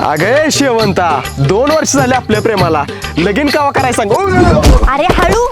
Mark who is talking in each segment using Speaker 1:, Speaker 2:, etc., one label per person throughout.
Speaker 1: अगे शेवंता 2 वर्ष झाले आपल्या प्रेमाला, लगीन कावा करायला सांग.
Speaker 2: अरे हळू.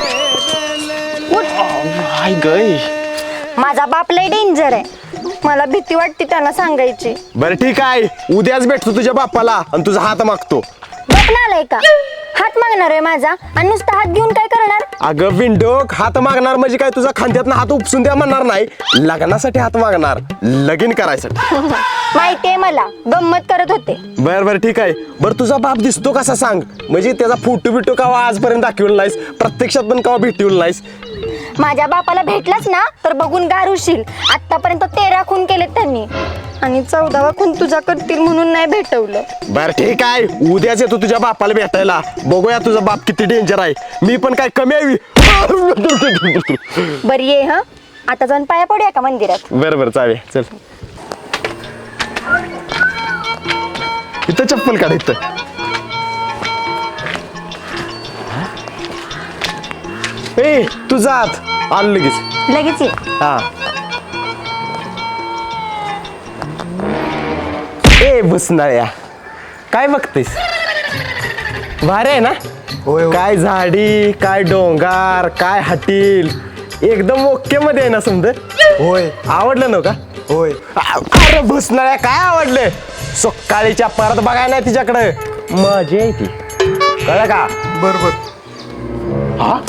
Speaker 1: हाय गय.
Speaker 2: माझा बाप लय डेंजर आहे, मला भीती वाटते त्यांना सांगायची.
Speaker 1: बरं ठीक आहे, उद्याच भेटतो तुझ्या बापाला आणि तुझा हात मागतो.
Speaker 2: बाप नालाय का? हात मागणार आहे माझा आणि नुसता हात घेऊन काय करणार?
Speaker 1: अगं विंडोक, हात मागणार म्हणजे काय तुझा खांद्यातनं हात उपसून द्या म्हणणार नाही, लग्नासाठी हात मागणार, लगीन करायसाठी.
Speaker 2: माहितीये मला, गंमत करत होते.
Speaker 1: बर बर ठीक आहे. बरं तुझा बाप दिसतो कसा सांग, म्हणजे त्याचा फोटो बिटो कावा आजपर्यंत दाखवला नाहीस, प्रत्यक्षात पण कावा भेटवलं नाहीस.
Speaker 2: माझ्या बापाला भेटलाच ना तर बघून गार होशील. आतापर्यंत 13 खून केलेत त्यांनी आणि 14वा खून तुझा करतील म्हणून नाही भेटवलं.
Speaker 1: बर ठीक आहे, उद्याच येतो तुझ्या बापाला भेटायला, बघूया तुझा बाप किती डेंजर आहे. मी पण काय कमी आहे?
Speaker 2: बरी ये हा, आता जाऊन पाया पडूया का मंदिरात?
Speaker 1: बरं बरं चालेल, चल. इथं चप्पल काढ इथं. ए तुझा हात आलो लगेच.
Speaker 2: लगेच ये.
Speaker 1: हा. ए बसणाऱ्या, काय बघतेस? भारी आहे ना? काय झाडी, काय डोंगर, काय हटील, एकदम ओके मध्ये आहे ना समजा.
Speaker 3: होय
Speaker 1: आवडलं ना का?
Speaker 3: होय.
Speaker 1: अरे बसणाऱ्या, काय आवडलं? सकाळीच्या परत बघाय नाही तिच्याकडे, मजा आहे ती, कळलं का?
Speaker 3: बरोबर.
Speaker 1: हा.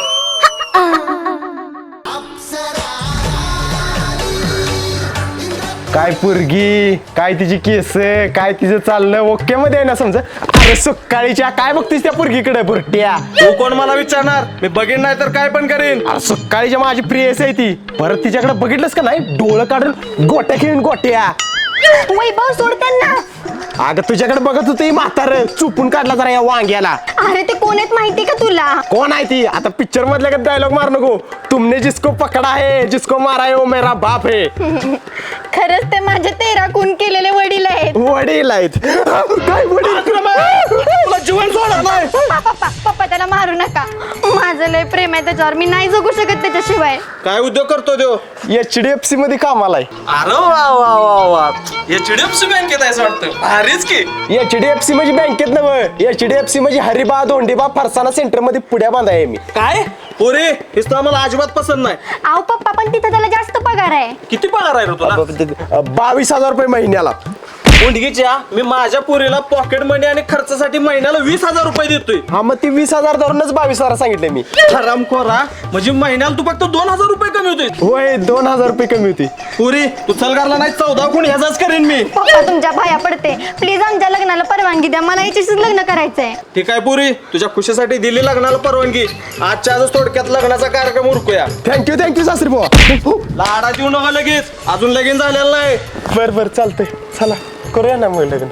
Speaker 1: काय पोरगी, काय तिची केस, काय तिचं चालणं ओके मध्ये आहे ना समजा. अरे सकाळीच्या काय बघतीस त्या पोरगीकडे बुरट्या?
Speaker 3: तू कोण मला विचारणार? मी बघेन नाही तर काय पण करेन.
Speaker 1: अरे सकाळीच्या माझी प्रियस आहे ती, परत तिच्याकडे बघितलंस का नाही, डोळं काढून गोट्या खेळून गोट्या.
Speaker 2: वैभव सोड त्यांना.
Speaker 1: अगं तुझ्याकडे बघत होती म्हातार, चुपून काढला जरा या वांग्याला.
Speaker 2: अरे ते कोण आहेत माहिती का तुला?
Speaker 1: कोण आहे ती? आता पिक्चर मधल्या का डायलॉग मार नको, तुमने जिसको पकडा है, जिसको मारा है वो मेरा बाप है.
Speaker 2: खरंच ते माझे 13 खून केलेले वडील आहेत.
Speaker 1: वडील आहेत? काय वडील?
Speaker 3: तुला जीवन सोडणार नाही.
Speaker 2: पप्पा पप्पा त्याला मारू नका, माझं लय प्रेम आहे त्याच्यावर, मी नाही जगू शकत त्याच्याशिवाय.
Speaker 3: काय उद्योग करतो देव?
Speaker 1: HDFC मध्ये कामाला आहे.
Speaker 3: अरे वा वा वा वा, HDFC बँकेत आहे वाटतं. भारीच की.
Speaker 1: HDFC म्हणजे बँकेत नव्हं, HDFC म्हणजे हरिबा धोंडीबा फरसाना सेंटर मध्ये पुढ्या बांधाय मी.
Speaker 3: काय पोरे, हेच तर आम्हाला अजिबात पसंत नाही.
Speaker 2: आव पप्पा, पण तिथं त्याला जास्त पगार आहे.
Speaker 3: किती पगार आहे रे तुला?
Speaker 1: 22,000 रुपये महिन्याला.
Speaker 3: मुंडगीच्या, मी माझ्या पोरीला पॉकेट मनी आणि खर्चासाठी महिन्याला 20,000 रुपये देतोय.
Speaker 1: हा मग ती 20,000 धरूनच 22,000 सांगितले मी.
Speaker 3: हरामखोरा, म्हणजे महिन्याला तू फक्त 2,000 रुपये कमी होते.
Speaker 1: होय 2,000 रुपये कमी होती.
Speaker 3: पुरी तू चलगारला नाही 14 कोण ह्याचाच करेन मी.
Speaker 2: पप्पा तुमच्या पाया पडते, प्लीज आमच्या लग्नाला परवानगी द्या, मला याच्याशीच लग्न करायचंय.
Speaker 3: ठीक आहे पुरी, तुझ्या खुशीसाठी दिली लग्नाला परवानगी. आजच्या आजच थोडक्यात लग्नाचा कार्यक्रम उरकूया.
Speaker 1: थँक्यू सासरी बुवा.
Speaker 3: लाडा देऊ नका लगेच, अजून लगीन झालेलं नाही.
Speaker 1: बर बर चालतंय, चला करूया ना मग लग्न.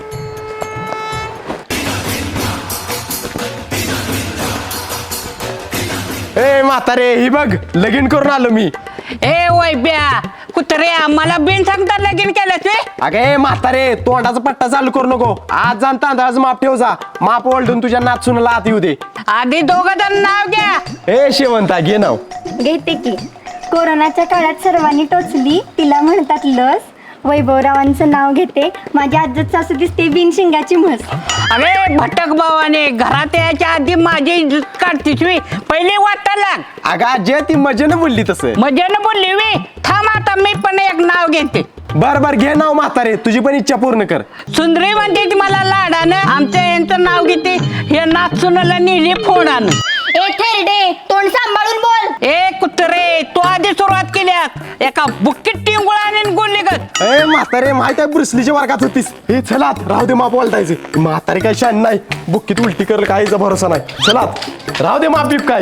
Speaker 1: ए म्हातारे, ही बघ लगीन करून आलो मी.
Speaker 4: ए वैब्या कुत्र्या, मला बिन सांगता लगीन केलं ते.
Speaker 1: अगे म्हातारे, तोंडाचा पट्टा चालू करू नको, आज जाण तांदळाचं माप ठेव जा, माप ओलडून तुझ्या नाचूनला आत येऊ दे.
Speaker 4: आधी दोघं जण नाव घ्या.
Speaker 1: ए शेवंता घे नाव.
Speaker 2: घेते की. कोरोनाच्या काळात सर्वांनी टोचली, तिला म्हणतात लस. वैभवरावांचं नाव घेते, माझी आजच सासू दिसते बिनशिंगाची म्हस.
Speaker 4: अरे भटक भावाने, घरात यायच्या आधी माझी इज्जत काढतीस मी, पहिले वाटा लाग.
Speaker 1: अगं आजी ती मजेनं बोलली तसं.
Speaker 4: मजेनं बोलली मी. थांब आता मी पण एक नाव घेते.
Speaker 1: बर बर घे नाव म्हातारे, तुझी पण इच्छा पूर्ण कर.
Speaker 4: सुंदरी म्हणते ती मला लाडानं, आमच्या यांचं नाव घेते, हे नाचुनाला नेली फोडानं.
Speaker 2: ए थेरडे, तोंड सांभाळून बोल.
Speaker 4: ए कुत्रे, तू आधी सुरुवात केल्यास, एका बुक्कीत टिंगुळाने गोली गत.
Speaker 1: ए म्हातारे, माहित आहे ब्रुसलीच्या वर्गात होतीस. हे चलात राहू दे, माप बोलतायचे. म्हातारे काय शान नाही, बुक्कीत उलटी करल काहीचा भरोसा नाही. चलात राहू दे माप बीप काय.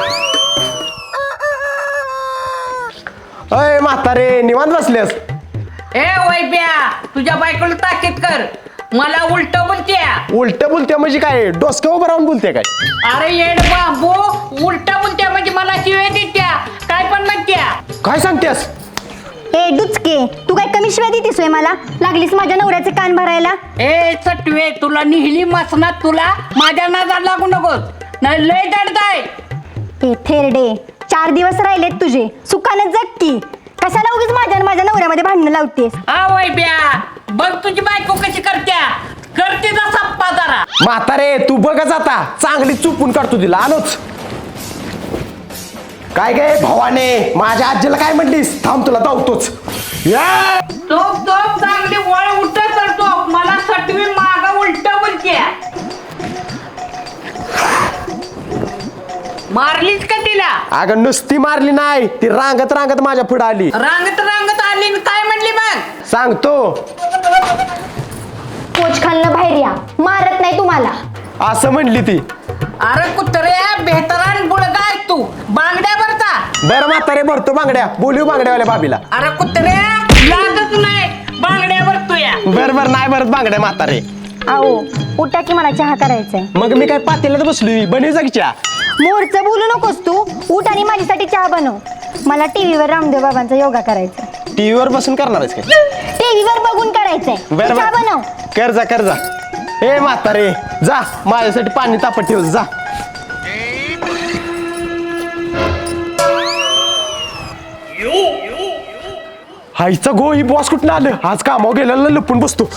Speaker 1: अय म्हातारे, निवांत बसलेस?
Speaker 4: ए वैब्या, तुझ्या बायकोला ताकीद कर, मला उलट बोलत्या.
Speaker 1: उलट बोलते म्हणजे काय, डोसक्या उभं राहून बोलते काय?
Speaker 4: अरे येड बाबू, उलट बोलत्या म्हणजे मला शिव्या देत्या, काय पण म्हणत्या.
Speaker 1: काय सांगतेस?
Speaker 2: ए डुचके, तू काय कमी शिवाय देतेस होय मला? लागलीस माझ्या नवऱ्याचे कान भरायला.
Speaker 4: ए सटवे, तुला निहिली मसनात, तुला माझ्या नादात लागू नकोस, नाही लय दडताय.
Speaker 2: ए थेरडे, 4 दिवस राहिलेत तुझे, सुखानं जग की. कशाला उगीच माझ्या नवऱ्यामध्ये भांडणं लावतेस?
Speaker 4: हा वैब्या, बघ तुझी बायको कशी करत्या, कर
Speaker 1: म्हातारे तू बघच आता चांगली चुपून काढतो तिला आलोच. काय गे भावाने माझ्या आजीला काय म्हटलीस? थांब तुला धावतोच. या
Speaker 4: तोप चांगली वळ उलट करतो. मला सटवी माग उलट बोलते. मारलीच का तिला?
Speaker 1: अगं नुसती मारली नाही, ती रांगत रांगत माझ्या पुढे आली.
Speaker 4: रांगत आली आणि काय म्हणली मग?
Speaker 1: सांगतो.
Speaker 2: कोच खाल्लं बाहेर या, मारत नाही तुम्हाला.
Speaker 1: असं म्हणली ती.
Speaker 4: अरे कुत्र्या बेहतरान बुडगा आहे तू. बांगड्या भरता.
Speaker 1: बरं म्हातारे भरतो बांगड्या. बोलू बांगड्यावाल्या भाभीला.
Speaker 4: अरे कुत्र्या लागत नाही बांगड्या भरतो या.
Speaker 1: बरं नाही भरत बांगड्या म्हातारे.
Speaker 2: आओ उठा की मला चहा करायचंय.
Speaker 1: मग मी काय पातेल्यात बसलोय, बनवी जा की चहा.
Speaker 2: मोरचं बोलू नकोस तू. उठ आणि माझ्यासाठी चहा बनव. मला टीव्हीवर रामदेव बाबांचा योगा करायचा.
Speaker 1: टीव्हीवर बसून करणार आहेस काय?
Speaker 2: टीव्हीवर बघून करायचंय.
Speaker 1: बरं
Speaker 2: चहा बनव.
Speaker 1: कर जा. ए म्हातारे जा माझ्यासाठी पाणी तापत ठेव जा. हायचा गो ही बॉस कुठं आलं? आज कामावर गेलेला लपून बसतो.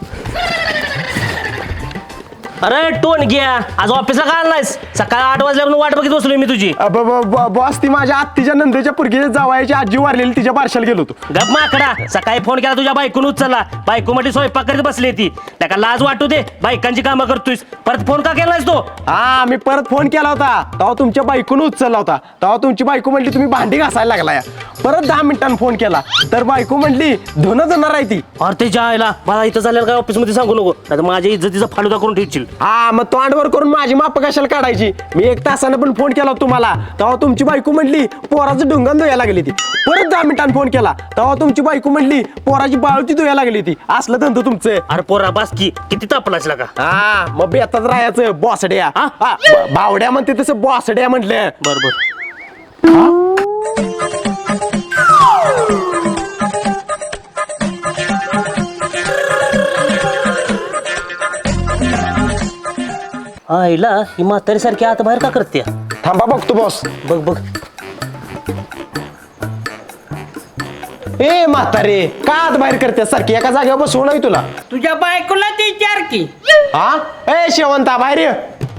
Speaker 5: अरे टोन घ्या, आज ऑफिसला का आलायस? सकाळी 8 वाजल्यापासून वाट बघत बसलोय मी तुझी.
Speaker 1: बॉस ती माझ्या आत्तीच्या नंदेच्या पुरगी जावायची आजी वारलेली, तिच्या बारशाला गेलो होतो.
Speaker 5: गप माकडा, सकाळी फोन केला तुझ्या बायकोनं उचलला. बायको मध्ये स्वयंपाक करीत बसली ती. त्याला लाज वाटू दे, बायकांची कामं करतोयस. परत फोन का केलायस तो?
Speaker 1: हा मी परत फोन केला होता, तेव्हा तुमच्या बायकोनं उचलला होता. तेव्हा तुमची बायको म्हणली तुम्ही भांडी घासायला लागलाय. परत 10 मिनिटांनी फोन केला तर बायको म्हणली धुणं धुणार आहे ती.
Speaker 5: अरे ते जायला मला इथं झालेलं काय ऑफिस मध्ये सांगू नको, नाही माझ्या इज्जतीचा फालुदा करून ठेवशील.
Speaker 1: हा मग तोंडवर करून माझी माप कशाला काढायची? मी 1 तासानं पण फोन केला तुम्हाला, तेव्हा तुमची बायको म्हणली पोराचं ढुंगण धुया लागली ती. परत 10 मिनिटांनी फोन केला तेव्हा तुमची बायको म्हणली पोराची बाळूची धुया लागली ती. असलं धंदो तुमचं.
Speaker 5: अरे पोरा बास की किती तापलाच का?
Speaker 1: हा मग बेताच राहायचं बॉसड्या. बावड्या म्हणते तसं बॉसड्या म्हटलं.
Speaker 5: बरोबर. आईला ही म्हातारी सारखी आता बाहेर का करते?
Speaker 1: थांबा बघतो बॉस.
Speaker 5: बघ
Speaker 1: ए म्हातारे का आत बाहेर करते सारखी? एका जागेवर बसवून नाही तुला.
Speaker 4: तुझ्या बायकोला ती विचार की.
Speaker 1: हा ए शेवंता बाहेर ये.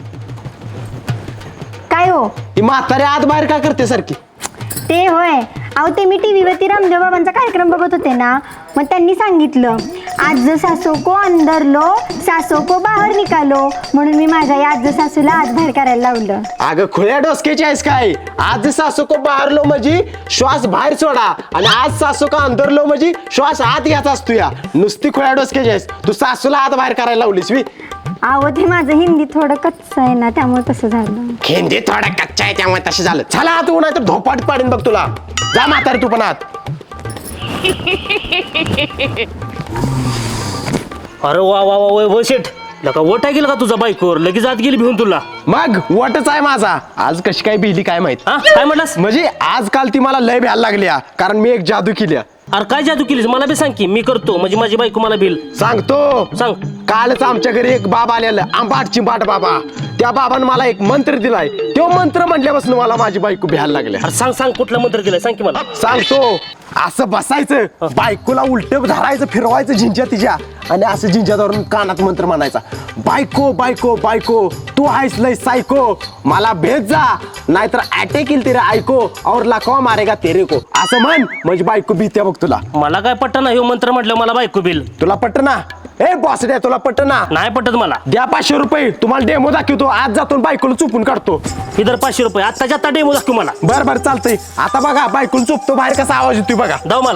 Speaker 2: काय हो?
Speaker 1: ही म्हातारी आत बाहेर का करते सारखी?
Speaker 2: ते होय. अहो ते मी टीव्हीवरती रामदेव बाबांचा कार्यक्रम बघत होते ना, मग त्यांनी सांगितलं आज सासू को अंदर लो सासू को बाहेर निकालो, म्हणून मी माझ्या या आज सासूला आत बाहेर करायला लावलं.
Speaker 1: अगं खुल्या डोसक्याची आहेस काय? आज सासू को बाहेर लो म्हणजे श्वास बाहेर सोडा आणि आज सासू का अंदर लो म्हणजे श्वास आत घ्यायचा असतो. या नुसती खुल्या डोसक्याची आहेस तू. सासूला आत बाहेर करायला लावलीस मी.
Speaker 2: अहो ते माझं हिंदी थोडं कच्चं आहे ना, त्यामुळे तसं झालं.
Speaker 1: हिंदी थोडा कच्चा आहे त्यामुळे तसे झालं. चला आत उन्हा तर धोपाट पाडीन बघ तुला. जा म्हातारी तू पण आत.
Speaker 5: अरे वा वैभव शेठ, लका वोट गेला का तुझा बायकोवर? लगेच आत गेली भिवून तुला.
Speaker 1: मग वटच आहे माझा. आज कशी काय बिहली काय माहित.
Speaker 5: हा काय म्हणलास?
Speaker 1: म्हणजे आजकाल ती मला लय भ्यायला लागली कारण मी एक जादू केली.
Speaker 5: अरे काय जादू केलीस मला बी सांग की, मी करतो म्हणजे माझी बायको मला बिल
Speaker 1: सांगतो.
Speaker 5: सांग.
Speaker 1: कालच आमच्या घरी एक बाबा आलेला, आंबाट चिंबाट बाबा. त्या बाबानं मला एक मंत्र दिलाय. तो मंत्र म्हटल्यापासून मला माझी बायको भ्यायला लागली.
Speaker 5: अरे सांग कुठला मंत्र दिलाय सांग की मला.
Speaker 1: सांगतो. असं बसायचं, बायकोला उलट धरायचं, फिरवायचं झिंज्या तिच्या आणि असं झिंज्या धरून कानात मंत्र म्हणायचा. बायको बायको बायको तू आहेस लय सायको, मला भेट जा नाहीतर अटॅक येईल तेरे ऐको और लाखवा मारेगा तेरे को. असं म्हण म्हणजे बायको भीत्या बघ तुला.
Speaker 5: मला काय पटत ना ह्यो मंत्र म्हटलं मला बायको बिल.
Speaker 1: तुला पट्ट ना? ए बॉस द्या तुला पट्ट ना?
Speaker 5: नाही पटत मला.
Speaker 1: द्या 500 रुपये, तुम्हाला डेमो दाखवतो. आज जातो बायकोला चुपून काढतो.
Speaker 5: इधर 500 रुपये आत्ताच्या आत्ता डेमो दाखव मला.
Speaker 1: बरं चालतंय. आता बघा बायकोला चुपतो बाहेर कसा आवाज येतोय बघा.
Speaker 5: दाव मला.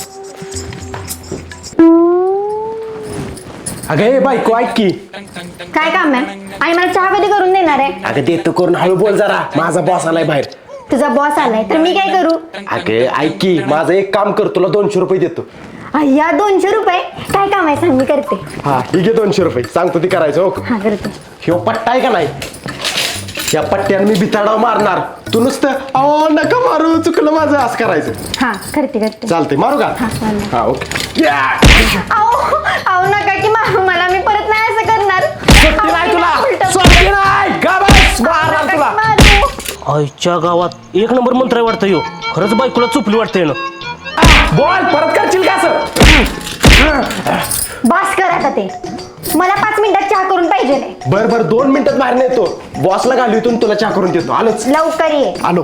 Speaker 1: अगं ए बायको ऐक की.
Speaker 2: काय काम आहे? आणि मला चहा कधी करून देणार आहे?
Speaker 1: अगं देतो करून हळू बोल जरा, माझा बॉस आलाय बाहेर.
Speaker 2: तुझा बॉस आलाय तर मी काय करू?
Speaker 1: अगं ऐक की, माझं एक काम कर, तुला 200 रुपये देतो.
Speaker 2: अय्या 200 रुपये? काय काम आहे सांग, मी करते.
Speaker 1: हा ठीक आहे 200 रुपये सांगतो ती करायचं. हो
Speaker 2: हा करते.
Speaker 1: ह्यो पट्टा आहे का नाही, या पट्ट्यानं मी बिताडाव मारणार. तू नुसतं अहो नका मारू, चुकलं माझं, असं करायचं.
Speaker 2: हा करते.
Speaker 1: चालतंय मारू का?
Speaker 2: हा, चालेल.
Speaker 1: हा ओके.
Speaker 2: अहो नका की मारू मला, मी परत नाही असं करणार.
Speaker 1: सुट्टी नाही तुला, सुट्टी नाही. का बस मारणार
Speaker 2: नका की
Speaker 1: तुला.
Speaker 2: मारू.
Speaker 5: आईच्या गावात 1 नंबर मंत्र आहे वाटतं ह्यो. खरंच बायकोला चुपली वाटतंय ना.
Speaker 1: बोल परत करशील का असं?
Speaker 2: बास कर आता ते. मला 5 मिनिटात चहा करून पाहिजे नाही.
Speaker 1: बर 2 मिनिटात बाहेर नेतो. बॉसला घालून तुला चहा करून देतो. आलोच.
Speaker 2: लवकर ये.
Speaker 1: आलो.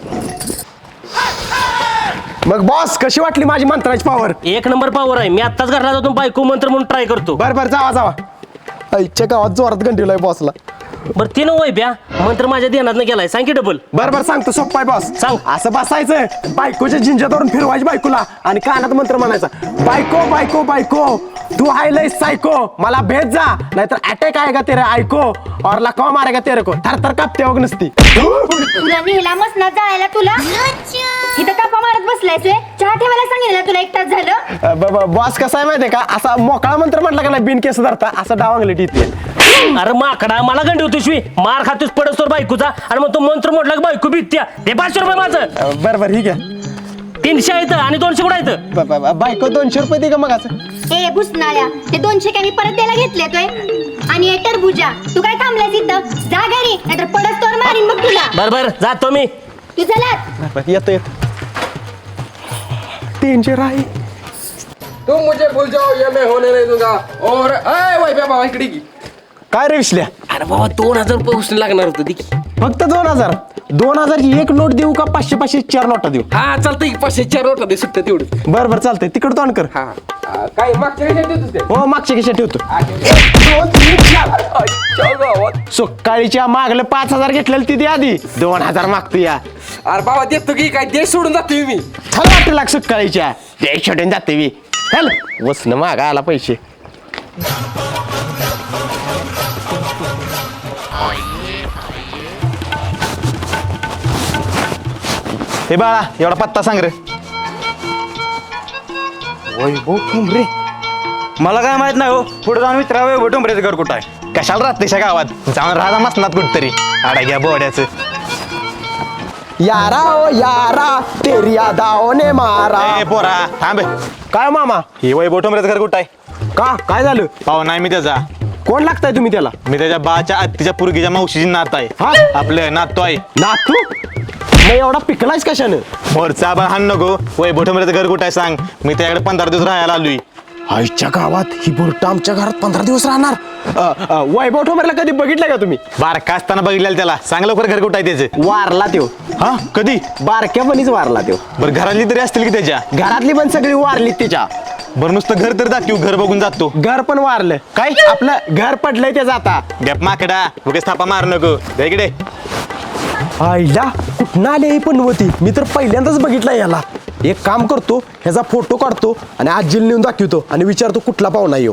Speaker 1: मग बॉस कशी वाटली माझी मंत्राची पॉवर?
Speaker 5: एक नंबर पावर आहे. मी आत्ताच घरला जातो बायको मंत्र म्हणून ट्राय करतो.
Speaker 1: बर जावा. आईच्या गावात जोरात गंडीलाय बॉसला.
Speaker 5: बरं ते नव्हे ब्या मंत्र माझ्या ध्यानात गेलाय. सांग की डबल.
Speaker 1: बर सांगतो. सोप्पा आहे बॉस.
Speaker 5: सांग.
Speaker 1: असं बसायचं, बायकोच्या झिंजातवरून फिरवायची बायकोला आणि कानात मंत्र म्हणायचा, बायको बायको बायको तू हाय लय सायको, मला भेट जा नाहीतर अटॅक आएगा तेरे आयको और लकवा मारेगा तेरे को. थरथर कापते वग नसती.
Speaker 2: तुला नेला मसनात जायला तुला इथं कापा मारत बसलायस व्हय? चहा ठेवायला सांगितलं तुला 1 तास झालं.
Speaker 1: बॉस कसा आहे माहितीये का, असा मोकळा मंत्र म्हटला का नाही बिन केस धरता असं डावांगलेट येते.
Speaker 5: अरे माकडा मला गंडी होती शिवी मार खातोस पडस बायकोचा आणि मग तो मंत्र म्हटला की बायको भीत्या. ते 500 रुपये माझं.
Speaker 1: बर ठीक आहे.
Speaker 5: 300 आहेत आणि 200 कुठं आहेत?
Speaker 1: बायको 200 रुपये दे का मग असं.
Speaker 2: ए भुसनाळ्या, ते 200 काय मी परत द्यायला घेतले तोय. आणि ए टरबुजा, तू काय थांबलायस इथं? जा घरी नाहीतर पडस तोर मारीन मग तुला.
Speaker 5: बर जातो मी.
Speaker 2: तू चला.
Speaker 1: येतो 300 राही.
Speaker 3: तुम मुझे भूल जाओ ये मैं होने नहीं दूंगा. और वही बाबा इकडे की.
Speaker 1: काय रे विसल्या?
Speaker 3: अरे बाबा 2000 रुपये उसने लागणार होतं ती.
Speaker 1: फक्त 2000 ची एक नोट देऊ का 500 4 नोटा देऊ?
Speaker 3: हा चालतंय 504 होता दे सुट्ट्या तेवढं.
Speaker 1: बर चालतंय. तिकड तोंड कर.
Speaker 3: हा काय मागच्या वेळेस देतोस ते?
Speaker 1: हो मागच्या खिशात ठेवतो. 1 2 3 4. सकाळीच्या मागलं 5000 घेतलेलं ती दे आधी. 2000 मागतो या.
Speaker 3: अरे बाबा देतो की काय देश सोडून जातोय मी.
Speaker 1: चल वाटतं लाग सकाळीच्या ते छोटून जाते मी. चल वसनं मागा आला पैसे.
Speaker 6: हे बाळा एवढा पत्ता सांग रे.
Speaker 1: वैभव ठोंबरे.
Speaker 6: मला काय माहित नाही हो. पुढे जाऊन विचारा वैभव ठोंबरेचं घर कुठं आहे. कशाला राहतेशा गावात जाऊन राहा मसनात कुठतरी आडा घ्या बोड्याचं.
Speaker 1: यारा ओ यारा तेरी यादाओं ने मारा.
Speaker 6: ए पोरा थांब.
Speaker 1: काय मामा?
Speaker 6: हे वैभव ठोंबरेचं घर कुठं आहे?
Speaker 1: का काय झालं?
Speaker 6: पाहुणा आहे मी त्याचा.
Speaker 1: कोण लागताय तुम्ही त्याला?
Speaker 6: मी त्याच्या बाच्या आत्तीच्या पुरगीच्या मावशीची नात आहे.
Speaker 1: हा?
Speaker 6: आपलं नातू आहे.
Speaker 1: नातू? मग एवढा पिकलायस कशानं?
Speaker 6: मोरचा पण हाण नको. वैभव ठोंबरेचं घर कुठं आहे सांग. मी त्याच्याकडे 15 दिवस राहायला आलोय.
Speaker 1: आईच्या गावात ही बुरटा आमच्या घरात 15 दिवस राहणार. वैभव ठोंबरेला कधी बघितलं का तुम्ही?
Speaker 6: बारका असताना बघितलेलं त्याला. सांग लवकर घर कुठं आहे त्याचं.
Speaker 1: वारला त्यो.
Speaker 6: हा कधी?
Speaker 1: बारक्यापणीच वारला त्यो.
Speaker 6: बरं घरातली तरी असतील की त्याच्या.
Speaker 1: घरातली पण सगळी वारली त्याच्या.
Speaker 6: बरं नुसतं घर तर जातो घर बघून जातो.
Speaker 1: घर पण वारलं.
Speaker 6: काय?
Speaker 1: आपलं घर पडलंय त्याचं आता.
Speaker 6: गप माकडा उगाच थापा मार नको. जा इकडे.
Speaker 1: आईला कुठं आले ही पनवती? मी तर पहिल्यांदाच बघितलं याला. एक काम करतो, ह्याचा फोटो काढतो आणि आजीला नेऊन दाखवतो आणि विचारतो कुठला पाहुणा येऊ.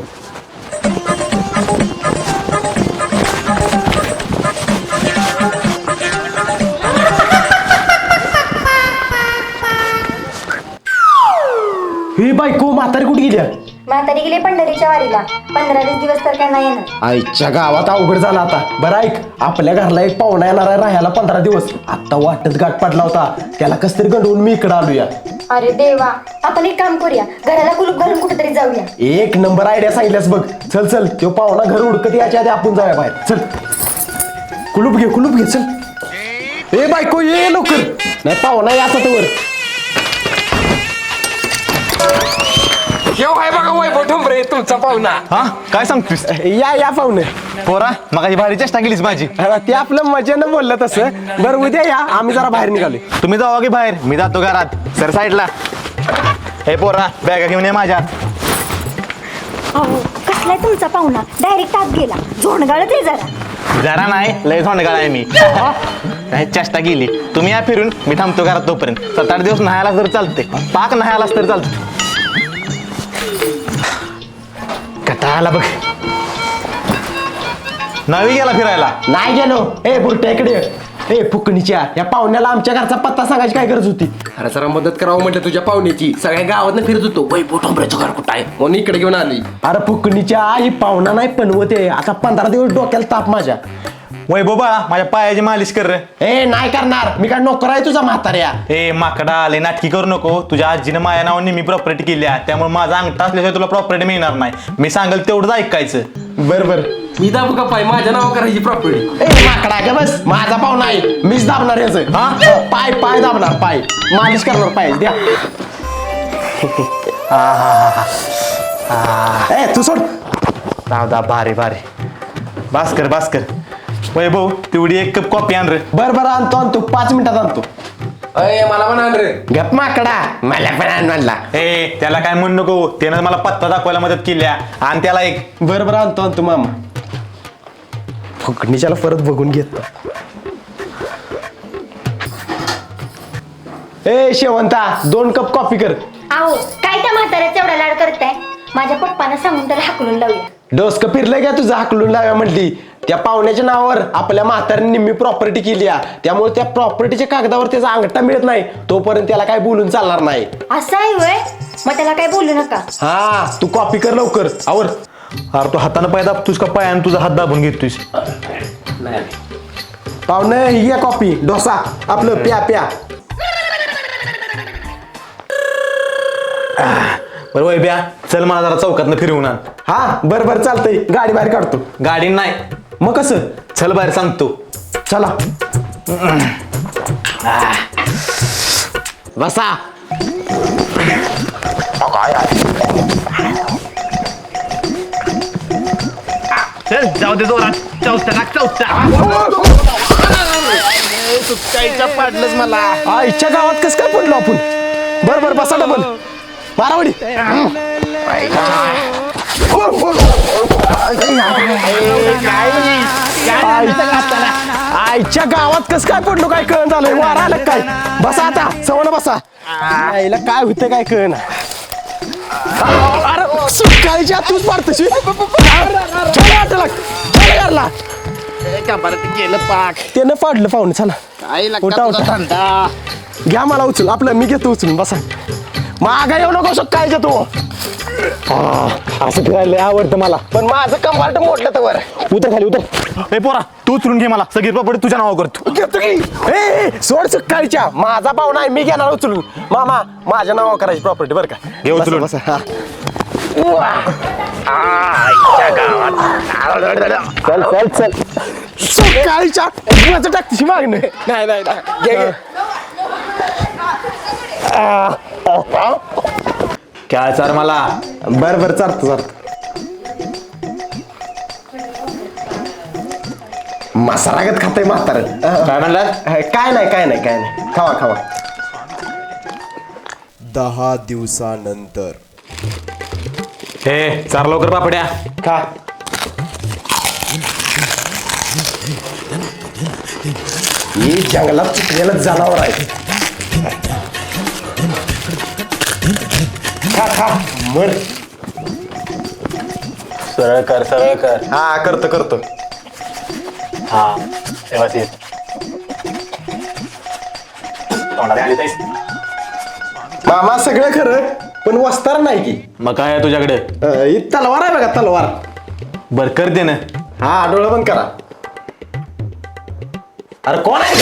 Speaker 1: ही बायको म्हातारी कुठे गेली?
Speaker 2: म्हातारी गेली पंढरीच्या वारीला. 15-20 दिवस तर काय नाही येणार.
Speaker 1: आईच्या गावात अवघड झाला आता. बरं ऐक, आपल्या घरला एक पाहुणा येणार आहे राहायला 15 दिवस. आता वाटत गाठ पडला होता, त्याला कस तरी गंडवून मी इकडे आलोया.
Speaker 2: अरे देवा, आपण एक काम करूया, घराला कुलूप घालून कुठेतरी जाऊया.
Speaker 1: एक नंबर आयडिया सांगितल्यास बघ. चल तो पाहुणा घर उडकत याच्या आधी आपण जाऊया बाहेर. चल कुलूप घे चल. ए बायको ये लवकर, नाही पाहुणा याचा तर वर.
Speaker 3: केव्हा आहे बघा वैभव ठोंबरे तुमचा पाहुणा.
Speaker 6: हा काय सांगतोस?
Speaker 1: या पाहुणे.
Speaker 6: पोरा मगाची भारी चेष्टा केलीस माझी.
Speaker 1: ते आपलं मजेनं बोललं तसं. बरं उद्या या, आम्ही जरा बाहेर निघालो.
Speaker 6: तुम्ही जावा की बाहेर, मी जातो घरात. सर साईडला. हे पोरा बॅगा घेऊन ये माझ्या.
Speaker 2: अहो कसलाय तुमचा पाहुणा? डायरेक्ट आत गेला. झोंडगाळच आहे जरा.
Speaker 6: जरा नाही लय थोंडगाळ आहे मी. काय चेष्टा केली. तुम्ही या फिरून, मी थांबतो घरात तोपर्यंत. 7-8 दिवस नाहायला तर चालते. पाक नाहायलाच तर चालते. कटाळाला बघ. नवी गेला फिरायला.
Speaker 1: नाही गेलो. ए बुरट्या इकडे ये. ए फुकणीच्या या पाहुण्याला आमच्या घरचा पत्ता सांगायची काय गरज होती?
Speaker 3: अरे जरा मदत करावं म्हटलं तुझ्या पाहुण्याची. सगळ्या गावात फिरत होतो वैभव ठोंबरेचं घर कुठं आहे म्हणून इकडे घेऊन आली.
Speaker 1: अरे फुकणीच्या ही पाहुणा नाही पनवते. आता 15 दिवस डोक्याला ताप माझ्या.
Speaker 6: वैभव बाळा माझ्या पायाची मालिश कर रे.
Speaker 1: ए नाही करणार, मी काय नोकर आहे तुझा म्हाताऱ्या?
Speaker 6: ए माकडा आले नाटकी करू नको. तुझ्या आजीनं माझ्या नावाने मी प्रॉपर्टी केली आहे, त्यामुळे माझा अंगठा असल्याशिवाय तुला प्रॉपर्टी मिळणार नाही. मी सांगेल तेवढंच ऐकायचं.
Speaker 1: बर
Speaker 3: मी दाबू का पाय माझ्या नाव करायची प्रॉपर्टी.
Speaker 1: ए माकडा का बस, माझा पाहुणा आहे, मीच दाबणार याचं. हा पाय दाबणार, पाय मालिश करणार पाय द्या. ए तू सोड.
Speaker 6: दादा भारी भारी. भास्कर भास्कर वैभव तेवढी एक कप कॉफी आण रे.
Speaker 1: बरं आणतो 5 मिनिटात आणतो.
Speaker 3: मला पण आण रे.
Speaker 1: गप माकडा मला पण आण म्हणला.
Speaker 6: ए त्याला काय म्हणू नको, त्यानं मला पत्ता दाखवायला मदत केली आणि त्याला एक.
Speaker 1: बरं आणतो मामा. फुकणीच्याला परत बघून घेतो. ए शेवंता 2 कप कॉफी कर.
Speaker 2: आहो काय त्या म्हाताऱ्याचा एवढा लाड करताय? माझ्या पप्पांना सांगून त्याला हाकलून लावूया.
Speaker 1: डोसकं फिरलंय का तुझं हाकलून लाव्या म्हटली? त्या पाहुण्याच्या नावावर आपल्या म्हाताऱ्याने निम्मी प्रॉपर्टी केली आहे, त्यामुळे त्या प्रॉपर्टीच्या कागदावर त्याचा अंगठा मिळत नाही तोपर्यंत त्याला काय बोलून चालणार नाही.
Speaker 2: असं आहे वय? मग त्याला काय बोलू नका.
Speaker 1: हा तू कॉपी कर लवकर आवर.
Speaker 6: अरे तू हातानं पाय दाबतोस का पायानं तुझा हात दाबून घेतोयस?
Speaker 1: पाहुणे ही घ्या कॉपी. डोसा आपलं प्या प्या.
Speaker 6: बरं वैभ्या चल मला जरा चौकातनं फिरवून आण.
Speaker 1: हा बरं चालतंय. गाडी बाहेर काढतो.
Speaker 6: गाडी नाही,
Speaker 1: मग कसं?
Speaker 6: चल बाहेर सांगतो.
Speaker 1: चला बसा.
Speaker 5: चल जाऊ दे जोरात. चौथा
Speaker 1: पाडलंच मला. आईच्या गावात कसं काय पडलो आपण? बरं बसा डबल मारावडी. आईच्या गावात कसं काय पडलो काय कळण झालंय? वारा आलं काय? बसा आता सवण बसा. आईला काय होतं काय कळण? अरे सुकाळीच्या तूच मारतशी गेलं पाक. त्यानं पाडलं पाहुणे. चला उठा उठा. घ्या मला उचल. आपलं मी घेतो उचलून. बसा मागा येऊ नको सकाळच्या तू. असं फिरायला आवडतं मला, पण माझं कंपार्ट मोडलं तर वर. उतर खाली उतर.
Speaker 6: ए पोरा तू उचलून घे, मला सगळी प्रॉपर्टी तुझ्या नावावर करतो.
Speaker 1: घेतो की. ए सोड सकाळच्या. माझा पाहुणा आहे, मी घेणार उचलून. मामा माझ्या नावावर करायची प्रॉपर्टी बरं का?
Speaker 6: घे उचलून.
Speaker 1: बसा, बसा. चल सकाळच्या माझं टाकतीशी मागणं. नाही घे.
Speaker 6: काय चार मला.
Speaker 1: बरं चालतो. मसालागत खातंय म्हातारं.
Speaker 6: काय म्हणला?
Speaker 1: काय नाही खावा.
Speaker 7: 10 दिवसानंतर.
Speaker 6: हे चार लवकर पापड्या
Speaker 1: खा. ही जंगलात चुकलेलं जनावर आहे. खा मर.
Speaker 6: सरळ कर.
Speaker 1: हा करतो.
Speaker 6: हा व्यवस्थित.
Speaker 1: मामा सगळं खरं, पण वस्तार नाही की.
Speaker 6: मग काय आहे तुझ्याकडे?
Speaker 1: ही तलवार आहे बघा तलवार.
Speaker 6: बर कर दे ना.
Speaker 1: हा डोळं बंद करा. अरे कोण आहे?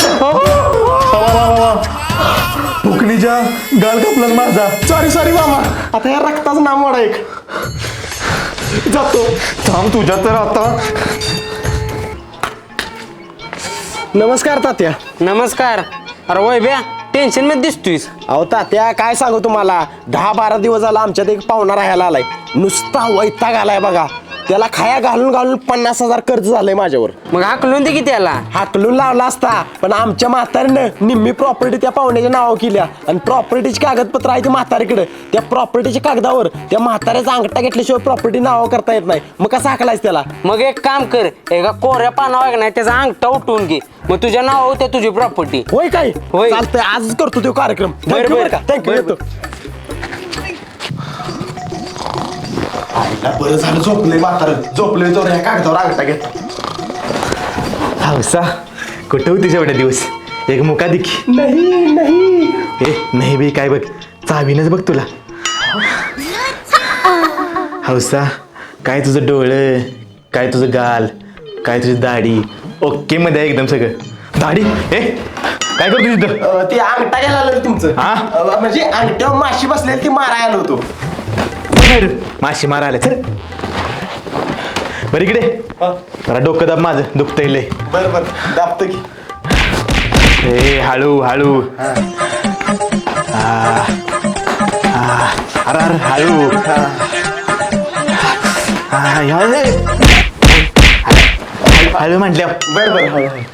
Speaker 6: फुकणीच्या गाल कापलाच माझा.
Speaker 1: सॉरी मामा. आता या रक्ताचं नाम वाडा एक. जातो.
Speaker 6: थांब तुझ्या तर आता.
Speaker 1: नमस्कार तात्या.
Speaker 8: नमस्कार. अरे वैभ्या टेन्शन मध्ये दिसतोयस.
Speaker 1: अहो तात्या काय सांगू तुम्हाला, 10-12 दिवस झाला आमच्यात एक पाहुणा राहायला आलाय. नुसता वैताग आलाय बघा. त्याला खाया घालून 50,000 कर्ज झालंय माझ्यावर.
Speaker 8: मग हाकलून दे की त्याला.
Speaker 1: हाकलून लावला असता, पण आमच्या म्हातारीनं निम्मी प्रॉपर्टी त्या पाहुण्याच्या नावावर केल्या आणि प्रॉपर्टीची कागदपत्र आहे ती म्हातारीकडे. त्या प्रॉपर्टीच्या कागदावर त्या म्हाताऱ्याचा अंगठा घेतल्याशिवाय प्रॉपर्टी नावावर करता येत नाही. मग कसं हाकलायच त्याला?
Speaker 8: मग एक काम कर, एका कोऱ्या पानावर नाही त्याचा अंगठा उठवून घे, मग तुझ्या नाव होत्या तुझी प्रॉपर्टी.
Speaker 1: होय काय?
Speaker 8: होय.
Speaker 1: चालतंय आजच करतो तो कार्यक्रम.
Speaker 8: बरं.
Speaker 1: थँक्यू. येतो. बरं झालं झोपले म्हातारं. झोपले तर ह्या कागदावर अंगठा घेतो.
Speaker 6: हौसा कुठं होतीस एवढ्या दिवस? एक मुका दिखी.
Speaker 1: नाही
Speaker 6: ए नाही बी काय बघ, चावीनच बघ तुला. हौसा काय तुझं डोळं, काय तुझं गाल, काय तुझी दाढी ओके मध्ये आहे एकदम सगळं. दाढी ए काय करतो तिथं?
Speaker 1: ते अंगठा घ्यायला आलं तुमचं.
Speaker 6: हा?
Speaker 1: म्हणजे अंगठ्यावर माशी बसलेली ती मारायला आलो होतो.
Speaker 6: माशी मारायला चल. बरं इकडे जरा डोकं दाब, माझं दुखतंय लय.
Speaker 1: बरं दाबतो की.
Speaker 6: ए हळू हळू. अरे हळू. हळू म्हटल्या
Speaker 1: बर बर हळू हळू.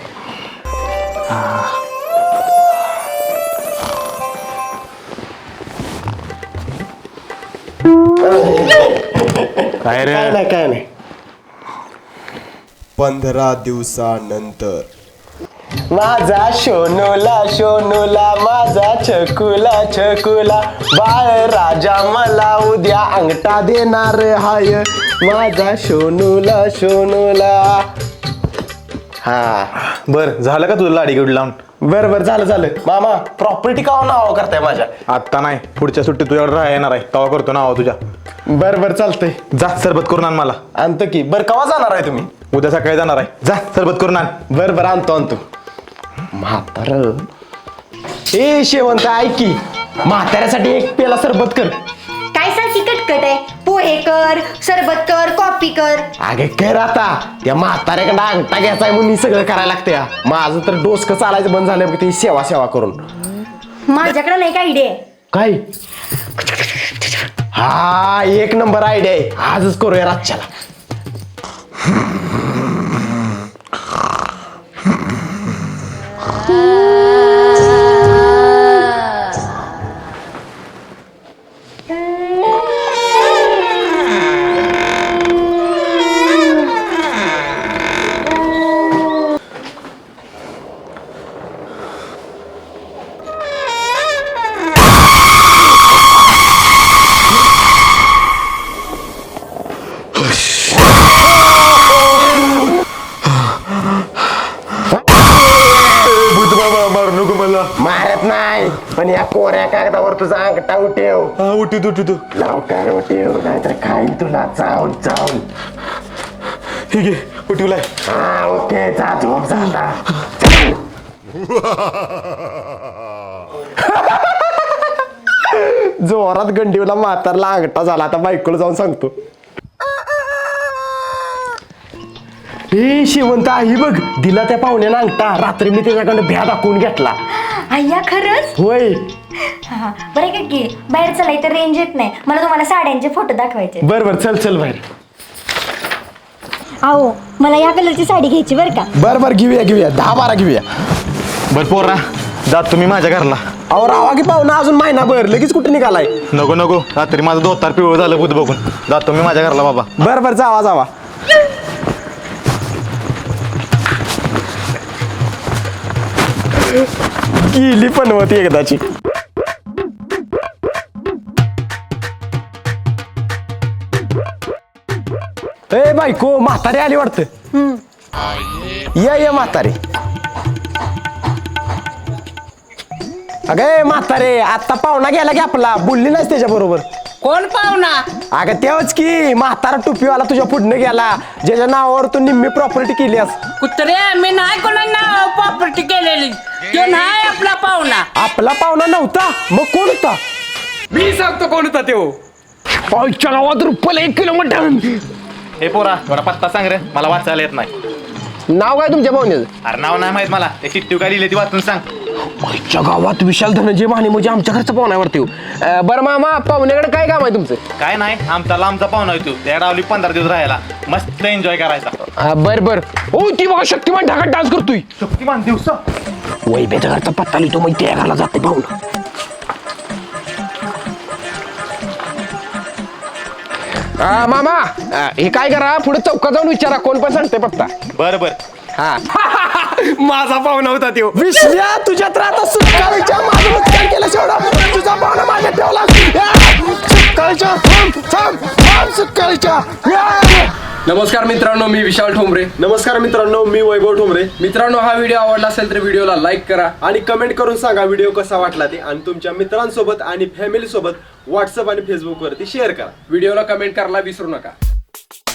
Speaker 6: काय रे
Speaker 1: काय नाही काय नाही.
Speaker 7: 15 दिवसानंतर
Speaker 1: माझा शोनूला माझा छकुला बाळ राजा मला उद्या अंगठा देणार हाय माझा शोनूला. हा
Speaker 6: बर झालं का तुझं लाडी लावून
Speaker 1: बर बर झालं मामा प्रॉपर्टी का नाव करताय माझ्या.
Speaker 6: आत्ता नाही पुढच्या सुट्टीत तुझ्याकडे राहा येणार आहे तवा करतो नाव तुझ्या
Speaker 1: बर बर चालतंय
Speaker 6: जा सरबत करून आण मला
Speaker 1: आणतो की. बर कवा जाणार आहे तुम्ही.
Speaker 6: उद्या सकाळी जाणार आहे जा सरबत करून आण
Speaker 1: बर बर आणतो म्हातार. ए शेवंत ऐक की म्हाताऱ्यासाठी एक पेला सरबत कर.
Speaker 2: काय सारखी कटकट आहे. पोहे कर, सरबत कर, कॉफी कर.
Speaker 1: अगे कर आता त्या म्हाताऱ्याकडे अंगठा घ्यायचा आहे म्हणून हे सगळं करायला लागतं. माझं तर डोसकं चालायचं बंद झालं ती सेवा करून.
Speaker 2: माझ्याकडे नाही का आयडिया.
Speaker 1: काय हा एक नंबर आयडिया आहे. आजच करूया रातच्याला.
Speaker 6: मारू नको मला
Speaker 1: मारत नाही पण या कोऱ्या कागदावर तुझा अंगठा उठेव.
Speaker 6: उठी तू
Speaker 1: लवकर उठेव नाहीतर खाईन तुला चावून.
Speaker 6: ठीक आहे उठवलाय
Speaker 1: हा ओके जा झोप झाला. जोरात गंडीवला म्हातारला अंगठा झाला. आता बायकोला जाऊन सांगतो. ए शेवंत आई बघ दिला त्या पाहुण्याला अंगठा. रात्री मी त्याच्याकडे भ्या दाखवून घेतला.
Speaker 2: अय्या खरंच.
Speaker 1: होय
Speaker 2: बरं का की बाहेर चला इथं रेंज येत नाही. मला तुम्हाला साड्यांचे फोटो दाखवायचे.
Speaker 1: बर बर चल बाहेर.
Speaker 2: अहो मला या कलरची साडी घ्यायची बरं का.
Speaker 1: बर घेऊया 10-12 घेऊया.
Speaker 6: बर पोरा जात तुम्ही माझ्या घरला
Speaker 1: अहो रावा की पाहुणा अजून महिनाभर लगेच कुठे निघालाय.
Speaker 6: नको रात्री माझं धोतार पिवळं झालं बुध बघून जातो मी माझ्या घरला बाबा
Speaker 1: बर जावा. गेली पण होती एकदाची. ए बायको म्हातारी आली वाटतं. ये म्हातारी. अगे म्हातारे आता पाहुणा गेला की आपला बोलली नाहीस त्याच्या बरोबर.
Speaker 4: कोण पाहुणा?
Speaker 1: अगं तेव्हाच की म्हातारा टोपीवाला तुझ्या पुढनं गेला ज्याच्या नावावर तू निम्मी प्रॉपर्टी केलीस.
Speaker 4: कुत्रे मी नाही कोणाला प्रॉपर्टी केलेली. तो नाही आपला पाहुणा.
Speaker 1: आपला पाहुणा नव्हता मग कोण होता.
Speaker 3: मी सांगतो कोण होता तो.
Speaker 1: पाऊच्या गावात रुपयाला 1 किलोमीटर.
Speaker 6: हे पोरा थोडा पत्ता सांग रे मला वाचायला येत नाही.
Speaker 1: नाव काय तुमच्या पाहुण्याचं.
Speaker 6: अरे नाव नाही माहित मला ते चिठ्ठी काय लिहिली ती वाचून सांग.
Speaker 1: पाऊच्या गावात विशाल धनंजय माने म्हणजे आमच्या घरचं पाहुण्यावरती. बरं मामा पाहुण्याकडे काय काम आहे तुमचं.
Speaker 6: काय नाही आमचा लांबचा पाहुणा येतो त्या डावली 15 दिवस राहायला मस्त एन्जॉय करायचा.
Speaker 1: बर ओ ती बघा शक्तिमान ढाकात डान्स करतोय.
Speaker 6: शक्तिमान दिवसा
Speaker 1: वैभ्याच्या घरचा पत्ता लिहितो मग त्या घराला जाते पाहुणा. मामा हे काय करा पुढे चौकात जाऊन विचारा कोण पण सांगते पत्ता.
Speaker 6: बर
Speaker 1: हा
Speaker 3: माझा पाहुणा होता तो.
Speaker 1: विश्ल्या तुझ्या तर आता सुटकाळीच्या माझं नुकसान केलं शेवढा. तुझा पाहुणा माझ्या ठेवला. सुटकाळीच्या थांब सुटकाळीच्या.
Speaker 9: नमस्कार मित्रांनो, मी विशाल ठोंबरे.
Speaker 3: नमस्कार मित्रांनो मी वैभव ठोंबरे.
Speaker 9: मित्रांनो, हा व्हिडिओ आवडला असेल तर व्हिडिओला लाईक करा
Speaker 3: आणि कमेंट करून सांगा व्हिडिओ कसा वाटला ते. आणि तुमच्या मित्रांसोबत आणि फॅमिली सोबत व्हॉट्सअप आणि फेसबुक वरती शेअर करा.
Speaker 9: व्हिडिओला कमेंट करायला विसरू नका.